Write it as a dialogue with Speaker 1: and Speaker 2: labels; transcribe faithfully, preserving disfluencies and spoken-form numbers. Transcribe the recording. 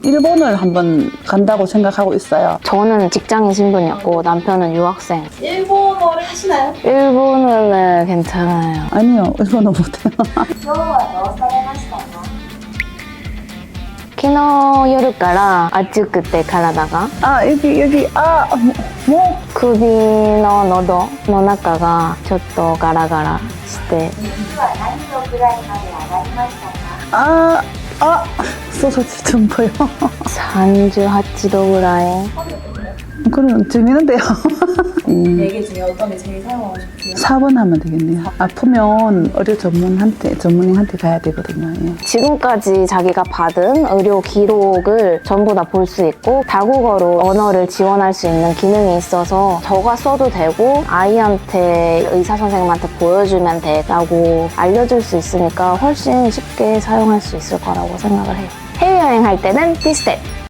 Speaker 1: 일본을 한번 간다고 생각하고 있어요.
Speaker 2: 저는 직장인 신분이었고 남편은 유학생.
Speaker 3: 일본어를 하시나요?
Speaker 2: 일본어는 괜찮아요.
Speaker 1: 아니요, 일본어 못해요.
Speaker 3: 今日はどうされましたか？
Speaker 2: 昨日夜から暑くて体が
Speaker 1: 아, 여기, 여기, 아, 뭐?
Speaker 2: 首の喉の中がちょっとガラガラして
Speaker 3: 熱は何度くらいまで上がりましたか？
Speaker 1: 아, 아, 소서지 좀 보여.
Speaker 2: さんじゅうはちどぐらい。
Speaker 1: 그럼 재밌는데요. 음,
Speaker 3: 네 개 중에 어떤 게 제일 사용하고 싶으세요?
Speaker 1: 사 번 하면 되겠네요. 아프면 의료 전문한테, 전문의한테 가야 되거든요. 예.
Speaker 2: 지금까지 자기가 받은 의료 기록을 전부 다 볼 수 있고 다국어로 언어를 지원할 수 있는 기능이 있어서 저가 써도 되고 아이한테 의사 선생님한테 보여주면 돼 라고 알려줄 수 있으니까 훨씬 쉽게 사용할 수 있을 거라고 생각을 해요. 해외여행 할 때는 티스텝!